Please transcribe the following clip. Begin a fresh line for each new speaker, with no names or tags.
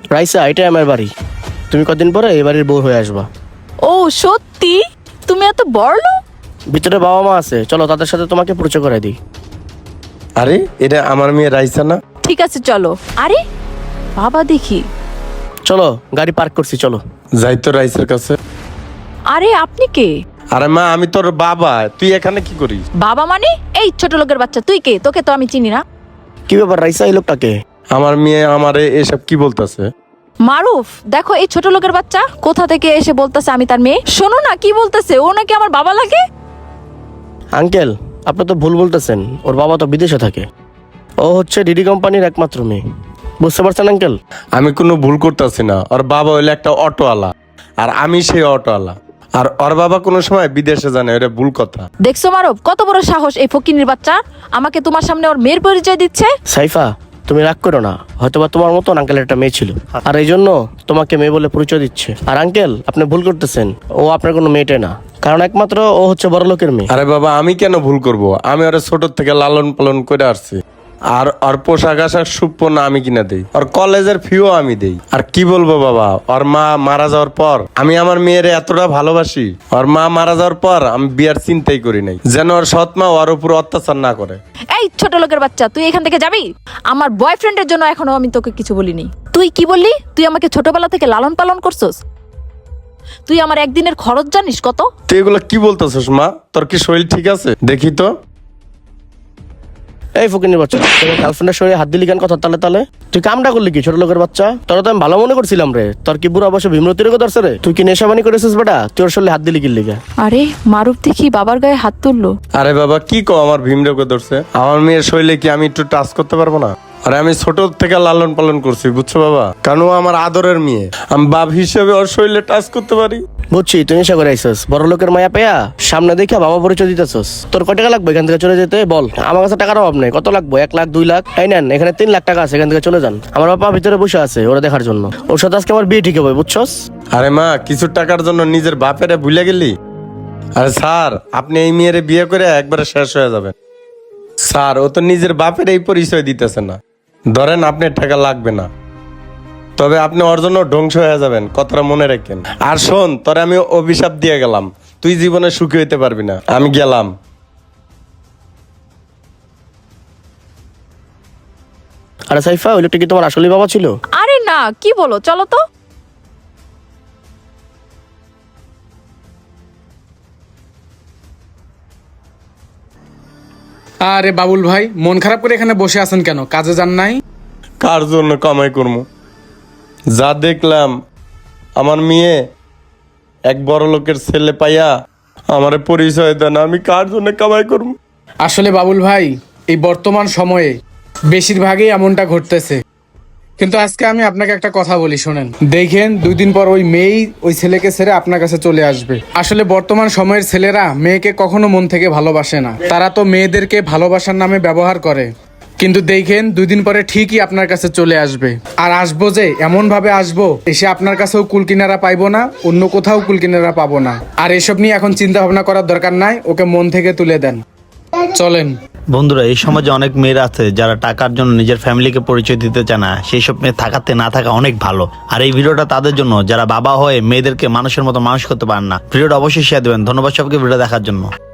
রাইসা, এটাই আমার বাড়ি। তুমি কদিন পরে এই বাড়ির বউ হয়ে আসবা।
ও সত্যি? তুমি এত বড় লোক?
ভিতরে বাবা মা আছে, চলো তাদের সাথে তোমাকে পরিচয় করে দিই।
আরে এটা আমার মেয়ে রাইসা না?
ঠিক আছে চলো। আরে বাবা দেখি।
চলো, গাড়ি পার্ক করছি, চলো।
যাই তো রাইসার কাছে।
আরে আপনি কে?
আরে মা, আমি তোর বাবা, তুই এখানে কি করিস?
বাবা মানে? এই ছোট লোকের বাচ্চা, তুই কে? তোকে তো আমি চিনি না।
কি ব্যাপার রাইসা, এই লোকটাকে?
আমার মেয়ে আমারে এসব কি বলতেছে?
মারুফ, দেখো এই ছোট লোকের বাচ্চা কোথা থেকে এসে বলতেছে আমি তার মেয়ে। শোনো না কি বলতেছে, ও নাকি আমার বাবা লাগে।
আঙ্কেল, আপনি তো ভুল বলতেছেন, ওর বাবা তো বিদেশে থাকে। ও হচ্ছে ডিডি কোম্পানির একমাত্র মেয়ে। বুঝতে পারছেন আঙ্কেল?
আমি কোনো ভুল করতেছি না। ওর বাবা হইলে একটা অটোওয়ালা, আর আমি সেই অটোওয়ালা। আর ওর বাবা কোনো সময় বিদেশে জানে, এটা ভুল কথা।
দেখছো মারুফ, কত বড় সাহস এই ফকিনীর বাচ্চা আমাকে তোমার সামনে ওর মেয়ের পরিচয় দিচ্ছে।
সাইফা, তুমি রাগ করো না, হয়তোবা তোমার মতন আঙ্কেল একটা মেয়ে ছিল, আর এই জন্য তোমাকে মেয়ে বলে পরিচয় দিচ্ছে। আর আঙ্কেল, আপনি ভুল করতেছেন, ও আপনার কোনো মেয়েটে না, কারণ একমাত্র ও হচ্ছে বড় লোকের মেয়ে।
আরে বাবা, আমি কেন ভুল করব? আমি ওরা ছোট থেকে লালন পালন করে আসছি। আর ওর পোশাক আশাক সুপনা আমি কিনা দেই, ওর কলেজের ফিও আমি দেই। আর কি বলবো বাবা, ওর মা মারা যাওয়ার পর আমি আমার মেয়ের এতটা ভালোবাসি। ওর মা মারা যাওয়ার পর আমি বিয়ার চিন্তাই করি নাই, যেন ওর সৎ মা ওর উপর অত্যাচার না করে।
এই ছোট লোকের বাচ্চা, তুই এখান থেকে যাবি? আমার বয়ফ্রেন্ডের জন্য এখনো আমি তোকে কিছু বলিনি। তুই কি বললি? তুই আমাকে ছোটবেলা থেকে লালন পালন করছস। তুই আমার একদিনের খরচ জানিস কত?
তুই এগুলো কি বলতেছিস মা? তোর কি শরীর ঠিক আছে? দেখি তো।
এই ফকিনের বাচ্চা, তোমার গার্লফ্রেন্ডের শরীরে হাত দিলি কেন কথা তালে তালে? তুই কামটা করলি কি ছোট লোকের বাচ্চা? তোরা তো আমি ভালো মনে করছিলাম রে, তোর কি বুড়ো অবশ্য ভীমরতির কথা রে? তুই কি নেশাবানি করেছিস বেটা? তুই ওর শরীরে হাত দিলি কি লিগা?
আরে মারুফ দেখি বাবার গায়ে হাত তুললো।
আরে বাবা, কি কো, আমার ভীমরোগে ধরছে? আমার মেয়ের শরীরে কি আমি একটু টাচ করতে পারবো না? আরে আমি ছোট থেকে লালন পালন করছি, বুঝছো বাবা? কারণ ও আমার আদরের মেয়ে, আমি বাপ হিসেবে ওর শরীরে টাচ করতে পারি।
বুঝছি, তুই নেশা করে আইসস, বড় লোকের মায়া পেয়া সামনে দেখা বাবা পরিচয় দিতেছস। তোর কয় টাকা লাগবে এখান থেকে চলে যেতে বল? আমার কাছে টাকার অভাব নেই। কত লাগবে? 1 লাখ, 2 লাখ? এই নেন, এখানে 3 লাখ টাকা আছে, এখান থেকে চলে যান। আমার বাবা ভিতরে বসে আছে ওরা দেখার জন্য। ওর সাথে আজকে আমার বিয়ে ঠিক হবে, বুঝছস?
আরে মা, কিছু টাকার জন্য নিজের বাপেরে ভুলে গেলি? আরে স্যার, আপনি এই মেয়েরে বিয়ে করে একবারে শেষ হয়ে যাবেন। স্যার, ও তো নিজের বাপের এই পরিচয় দিতেছে না। ধরেন আপনার টাকা লাগবে না, তবে আপনি ওর জন্য ধ্বংস হয়ে যাবেন, কথাটা মনে রাখেন। আর শোন, তোরে আমি অভিশাপ দিয়ে গেলাম, তুই জীবনে সুখী হইতে পারবি না। আমি গেলাম।
আরে সাইফা, ওই লোকটা কি তোমার আসলে বাবা ছিল?
আরে না, কি বলো, চলো তো।
আরে বাবুল ভাই, মন খারাপ করে এখানে বসে আছেন কেন? কাজে যান নাই?
কার জন্য কামাই করবো? যা দেখলাম, আমার মেয়ে এক বড় লোকের ছেলে পাইয়া আমারে পরিচয় দেন, আমি কার জন্য কামাই করবো?
আসলে বাবুল ভাই, এই বর্তমান সময়ে বেশিরভাগই এমনটা ঘটতেছে। কিন্তু আজকে আমি আপনাকে একটা কথা বলি, শোনেন। দেখেন, 2 দিন পর ওই মেয়েই ওই ছেলেকে ছেড়ে আপনার কাছে চলে আসবে। আসলে বর্তমান সময়ের ছেলেরা মেয়েকে কখনো মন থেকে ভালোবাসে না, তারা তো মেয়েদেরকে ভালোবাসার নামে ব্যবহার করে। কিন্তু দেখেন, 2 দিন পরে ঠিকই আপনার কাছে চলে আসবে। আর আসবো যে এমন ভাবে আসবো, এসে আপনার কাছেও কুলকিনারা পাইবো না, অন্য কোথাও কুলকিনারা পাবো না। আর এসব নিয়ে এখন চিন্তা ভাবনা করার দরকার নাই, ওকে মন থেকে তুলে দেন। চলেন।
বন্ধুরা, এই সমাজে অনেক মেয়েরা আছে যারা টাকার জন্য নিজের ফ্যামিলিকে পরিচয় দিতে চায় না। সেই সব মেয়ে থাকাতে না থাকা অনেক ভালো। আর এই ভিডিওটা তাদের জন্য যারা বাবা হয়ে মেয়েদেরকে মানুষের মতো মানুষ করতে পারেন না। ভিডিওটা অবশ্যই শেয়ার দেবেন। ধন্যবাদ সবকে ভিডিও দেখার জন্য।